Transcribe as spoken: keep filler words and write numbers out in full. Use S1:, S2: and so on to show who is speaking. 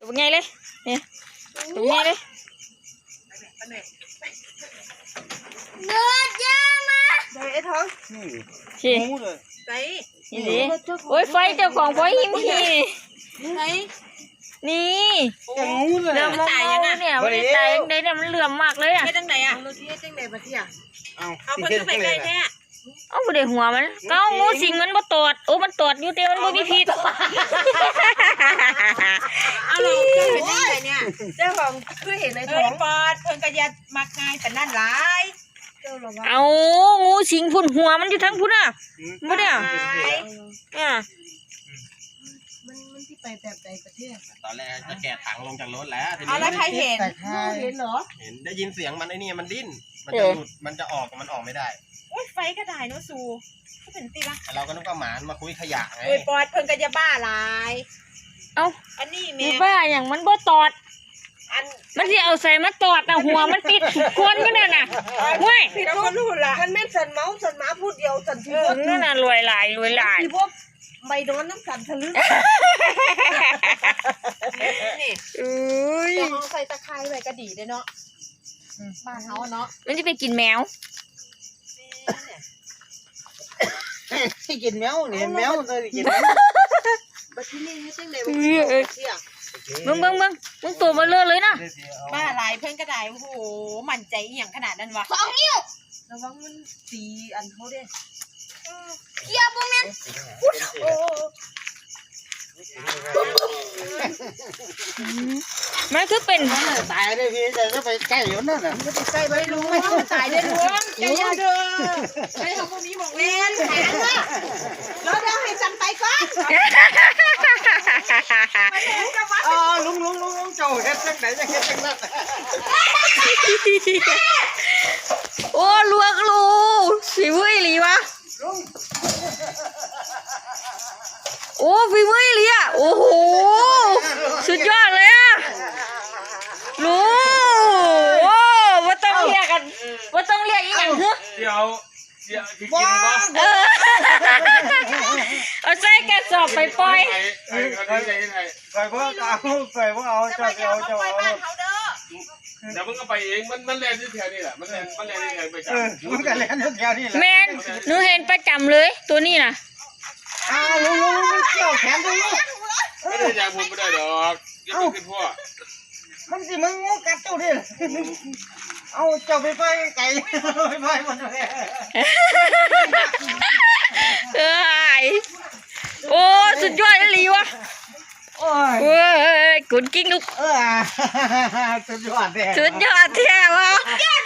S1: เป็นไงเลยเนี่ยเป็นไงเลย
S2: เนื้อยามาได้ไอ้ท้อง
S1: ชี้
S2: ใส่
S1: นี่ดิโอ้ยไฟเจ้าของไฟหิมหี
S2: ใส่
S1: นี่เริ่มตายยังไงเนี่ยไม่ได้ตายยังไงเนี่ยมันเหลื่อมมากเลยอ่ะ
S2: เฮ็ดจังไดอ่ะเราสิเฮ็ดจังไดบัดเที่ยเอาเอาเพิ่นไปไกลแท้
S1: เอาบ่ได้หัวมันก็เอางูสิงมันบ่ตอดโอ้มันตอดอยู่แต่มันบ่มีพิษ
S2: เอาเราเฮ็ดจังไดเนี่ยเจ้าของคือเห็นในท้องปอดเพิ่นก็ยัดมักง่ายแต่นั่นหลาย
S1: เอางูสิงพุ่นหัวมันอยู่ทั้งพุ่นอ่ะบ่ได้อ่ะอ่ะ
S2: มันมันที่ไปแบบใดประเทศ
S3: ตอนแรกจะแกะถังลงจากรถแล้วทีนี้
S2: เอาแล้วใครเห็นเห็นเหรอ
S3: เห็นได้ยินเสียงมันไอ้นี่มันดิ้นมันจะหลุดมันจะออกมันออกไม่ได้
S2: โอ้ยไฟก็ได้เนาะสูก็เป็นตีละ
S3: เราก็นึกว่าหมามาคุยขยะไง
S2: โอ้ยปอดเพิ่นก็จะบ้าหลาย
S1: เอ้า
S2: อันนี้แม่
S1: บ้าอย่างมันบ่ตอด
S2: อัน
S1: มันสิเอาใส่มาตอดน่ะหัวมันปิดคนอยู่นั่นน่ะเว้ย
S2: ผิดรู้ล่ะมันแม่นสันเมาสันหมาพูดเดียวสันทีบ่
S1: นั่นน่ะรวยหลายรวยหลาย
S2: ที่บ่ไม่โดนน้ำสันทะลึ่งนี่
S1: เอ้ย
S2: แต่เอาใส่ตะไคร้ไว้ก็ดีเด้เนาะบ้านเฮาเนาะ
S1: มันจะไปกินแมว
S4: ที่กินแมวเนี่ยแมวเลยกินแมว
S2: บัดที่นี่ให้จังได๋บ่เสีย
S1: มึงมึงมึงมึงตัวมาเลื่อเลยนะ
S2: บ้าหลายเพิ่นก็ได้โอ้โหมั่นใจอีหยังขนาดนั้นวะสองนิ้วระวังมันตีอันเฮาเด้เกียร์บ่แม่นโอ้
S1: มันคือเป็น
S4: ตายเลยพี่แต่จะไปใกล้อยู่นั่นน่ะ
S2: จะไปใกล้ไม่รู้ว่าตายได้รู้ใจยาเด้อไม่ทำพวกนี้บอกเล่นแข็งว่ะแล้วเดี๋ยวให้จันไปก่อน
S4: อ๋อลุงลุงลุงลุงเจ้าเฮ็ดจังไหนจะเฮ็ดจังนั้น
S1: โอ้ลวกลูฝีมืออีหลีวะโอ้ฝีมืออีหลีอ่ะโอ้โหสุดยอดเลยอ่ะลูโอ้ว่าต้องเรียกกันว่าต้องเรียกอีหยังคือ
S3: เดี๋ยวเดี๋ยวกินบ่
S1: เออเอาใส่กระสอบไปปล่อย
S3: ไอ้ไอ้ไอ้ไอ้
S4: ใส่พวกเอาใส่พวกเอาเจ้าเจ้าเจ้าเอา
S3: เดี๋ยวมึงก็ไปเองมันมันแล่นที่แถวนี่แหละมันแล่นมันแล่นที่แถวไปจับ
S4: มันก็แล่นที่แถวนี่แหละ
S1: แมนหนูเห็นประจำเลยตัวนี้นะ
S4: อ้าวลุงลุงลุงเกี่ยวแขนตรงนี้
S3: ไม่ได้จากผมไม่ได้ดอกยังไม่ขึ้นพ่อ
S4: มันสิมึงงูกัดเจ้าดิเอาเจ้าไปไปไก่ไปไปหมดเลย
S1: เอ้ยโอ้สุดยอดเลยว่ะ
S4: โอ้ย
S1: เว้ยกุนกิ้งลูก
S4: เออสุดยอดแท้
S1: สุดยอดแท้วะ